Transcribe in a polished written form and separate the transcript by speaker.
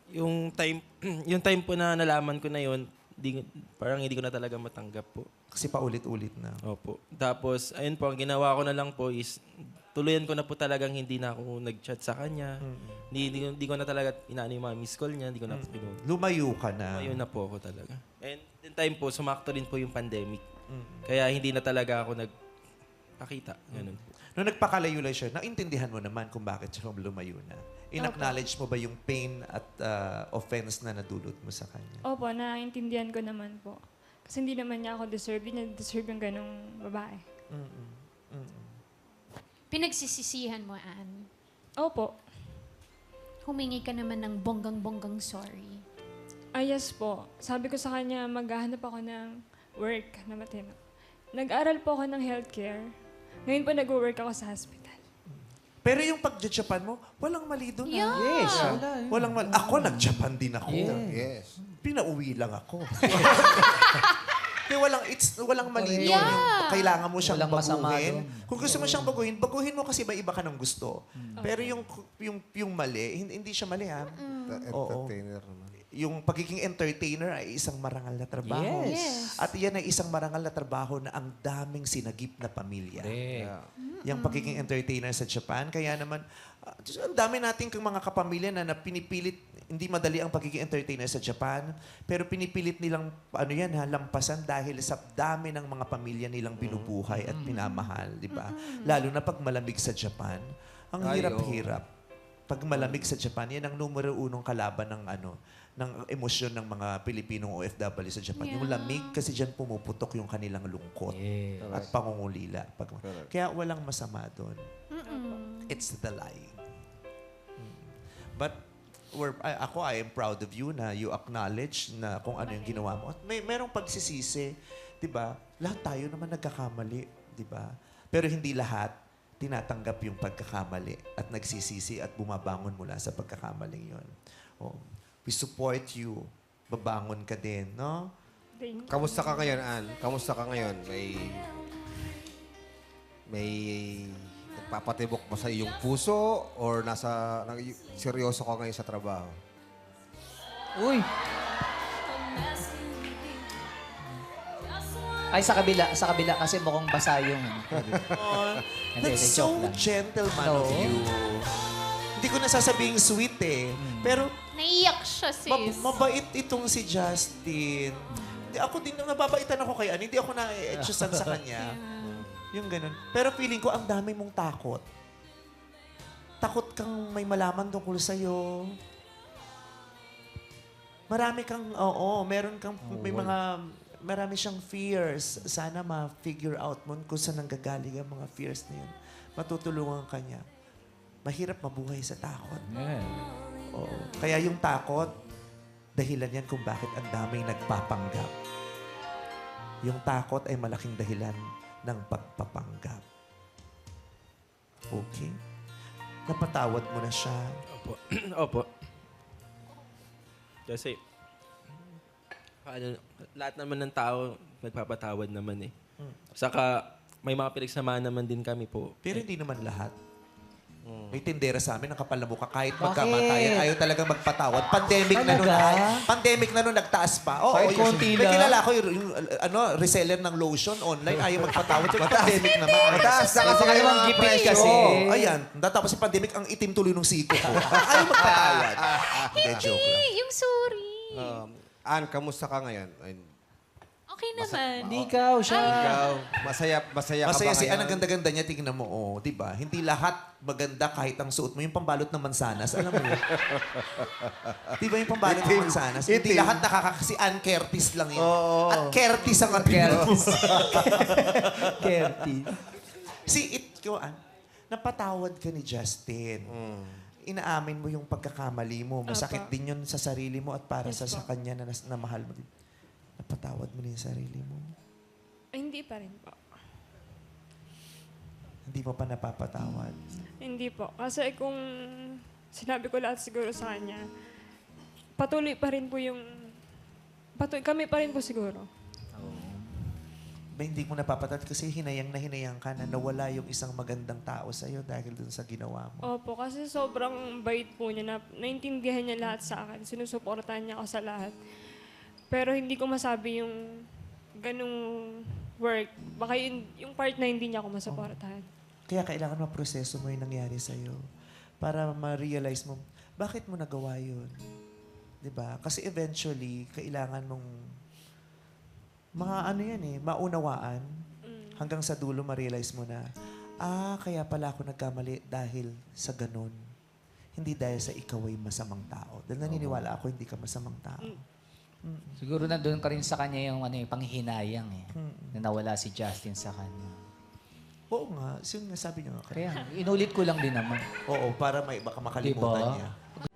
Speaker 1: Yung time, yung time po na nalaman ko na yun, parang hindi ko na talaga matanggap po.
Speaker 2: Kasi paulit-ulit na.
Speaker 1: Opo. Tapos, ayun po, ang ginawa ko na lang po is, tuluyan ko na po talagang hindi na ako nag-chat sa kanya. Hindi ko na talaga inaano yung mga miss call niya. Hindi ko na po
Speaker 2: Lumayo ka na.
Speaker 1: Ayun na po ako talaga. And in time po, sumakto rin po yung pandemic. Kaya hindi na talaga ako nagpakita. Ganun po.
Speaker 2: Nung nagpakalayo-layo siya, naintindihan mo naman kung bakit siya lumayo na. In-acknowledge mo ba yung pain at offense na nadulot mo sa kanya?
Speaker 3: Opo, naiintindihan ko naman po. Kasi hindi naman niya ako deserve. Hindi niya deserve yung ganong babae.
Speaker 4: Pinagsisisihan mo, Ann.
Speaker 3: Opo.
Speaker 4: Humingi ka naman ng bonggang-bonggang sorry.
Speaker 3: Yes po. Sabi ko sa kanya, maghahanap ako ng work na matino. Nag-aral po ako ng healthcare. Ngayon po nag-work ako sa hospital.
Speaker 2: Pero yung pag-Japan mo, walang mali doon.
Speaker 4: Yeah.
Speaker 5: Yes.
Speaker 2: Walang mali. Ako, nag-Japan din ako.
Speaker 5: Yes.
Speaker 2: Pinauwi lang ako. Kaya walang mali doon.
Speaker 4: Yeah.
Speaker 2: Yung kailangan mo siyang
Speaker 6: Walang masama
Speaker 2: baguhin.
Speaker 6: doon.
Speaker 2: Kung gusto mo siyang baguhin mo kasi iba ka ng gusto. Pero yung mali, hindi siya mali ha. Oo.
Speaker 5: Entertainer naman.
Speaker 2: Yung pagiging entertainer ay isang marangal na trabaho.
Speaker 4: Yes.
Speaker 2: At yan ay isang marangal na trabaho na ang daming sinagip na pamilya.
Speaker 5: Yeah.
Speaker 2: Yung pagiging entertainer sa Japan. Kaya naman, ang dami nating mga kapamilya na pinipilit, hindi madali ang pagiging entertainer sa Japan, pero pinipilit nilang, lampasan dahil sa dami ng mga pamilya nilang binubuhay at pinamahal, di ba? Lalo na pag malamig sa Japan, ang
Speaker 5: Ay,
Speaker 2: hirap-hirap. Pag malamig sa Japan, yan ang numero unong kalaban ng ng emosyon ng mga Pilipinong OFW sa Japan. Yung lamig, kasi dyan pumuputok yung kanilang lungkot at pangungulila. Kaya walang masama doon. It's the lying. But I am proud of you na you acknowledge na kung ano yung ginawa mo. At merong pagsisisi, di ba? Lahat tayo naman nagkakamali, di ba? Pero hindi lahat tinatanggap yung pagkakamali at nagsisisi at bumabangon mula sa pagkakamaling yun. Oh. We support you. Babangon ka din, no?
Speaker 3: Thank you.
Speaker 5: Kamusta ka ngayon, Ann? Kamusta ka ngayon? May nagpapatibok ba sa iyong puso or seryoso ka ngayon sa trabaho?
Speaker 6: Uy! Ay, sa kabila kasi mukhang basa yung... Hindi,
Speaker 2: That's
Speaker 6: joke
Speaker 2: so
Speaker 6: lang.
Speaker 2: gentleman of you. Hindi ko nasasabing sweet eh. Pero
Speaker 4: Naiyak siya, sis.
Speaker 2: mabait itong si Justin. Ako din, nababaitan ako kay Ann. Hindi ako na-etchusan sa kanya. Yung ganun. Pero feeling ko, ang dami mong takot. Takot kang may malaman tungkol sa'yo. Marami kang, marami siyang fears. Sana ma-figure out mo kung saan nanggagaling ang mga fears na yun. Matutulungan ka niya. Mahirap mabuhay sa takot. Oo. Kaya yung takot, dahilan yan kung bakit ang daming nagpapanggap. Yung takot ay malaking dahilan ng pagpapanggap. Okay? Napatawad mo na siya.
Speaker 1: Opo. Opo. Kasi, lahat naman ng tao, nagpapatawad naman eh. Saka, may mga pinagsamahan naman din kami po.
Speaker 2: Pero hindi naman lahat. May tindera sa amin, ang kapal na mukha. Kahit magkamatayan, ayaw talagang magpatawad. Pandemic na nun. Pandemic na nun, nagtaas pa. Oo,
Speaker 6: Kahit konti
Speaker 2: may
Speaker 6: lang.
Speaker 2: kilala ko yung reseller ng lotion online, ayaw magpatawad. Yung pandemic naman.
Speaker 5: Mataas na kasi kayo ang
Speaker 6: gipit
Speaker 5: presyo.
Speaker 6: kasi.
Speaker 2: Ayan, tapos yung pandemic, ang itim tuloy ng siko ko. Ayaw magpatawad. Hindi, joke lang.
Speaker 4: Yung sorry.
Speaker 5: Ann, kamusta ka ngayon?
Speaker 4: Okay naman.
Speaker 6: Hindi ikaw, siya.
Speaker 5: Ikaw, masaya ka
Speaker 2: Masaya
Speaker 5: ba
Speaker 2: si
Speaker 5: ngayon?
Speaker 2: Ann, ang ganda-ganda niya, tingnan mo, oh, di ba? Hindi lahat maganda kahit ang suot mo. Yung pambalot ng mansanas, alam mo yun? Di ba yung pambalot ng mansanas? Hindi lahat si Ann Curtis lang yun. At Curtis ang apelyido.
Speaker 6: Kerty.
Speaker 2: Ann, napatawad ka ni Justin. Inaamin mo yung pagkakamali mo. Masakit din yun sa sarili mo at para sa kanya na mahal mo din. Napatawad mo na yung sarili mo.
Speaker 3: Ay, hindi pa rin po.
Speaker 2: Hindi mo pa napapatawad.
Speaker 3: Hindi po. Kasi kung sinabi ko lahat siguro sa kanya, patuloy pa rin po yung... kami pa rin po siguro.
Speaker 2: ba hindi mo napapatat kasi hinayang ka na nawala yung isang magandang tao sa'yo dahil dun sa ginawa mo.
Speaker 3: Opo, kasi sobrang bait po niya na naintindihan niya lahat sa akin. Sinusuportahan niya ako sa lahat. Pero hindi ko masabi yung ganung work. Baka yung part na hindi niya ako masuportahan.
Speaker 2: Kaya kailangan maproseso mo yung nangyari sa'yo para ma-realize mo, bakit mo nagawa yun? 'Di ba? Kasi eventually, kailangan mong maunawaan hanggang sa dulo ma-realize mo na, kaya pala ako nagkamali dahil sa ganun. Hindi dahil sa ikaw ay masamang tao. Dahil naniniwala ako hindi ka masamang tao.
Speaker 6: Siguro nandun ka rin sa kanya yung panghihinayang eh. Na nawala si Justin sa kanya.
Speaker 2: Oo nga, yung nasabi niyo nga.
Speaker 6: Kaya, inulit ko lang din naman.
Speaker 2: Oo, para baka makalimutan
Speaker 6: Diba?
Speaker 2: niya.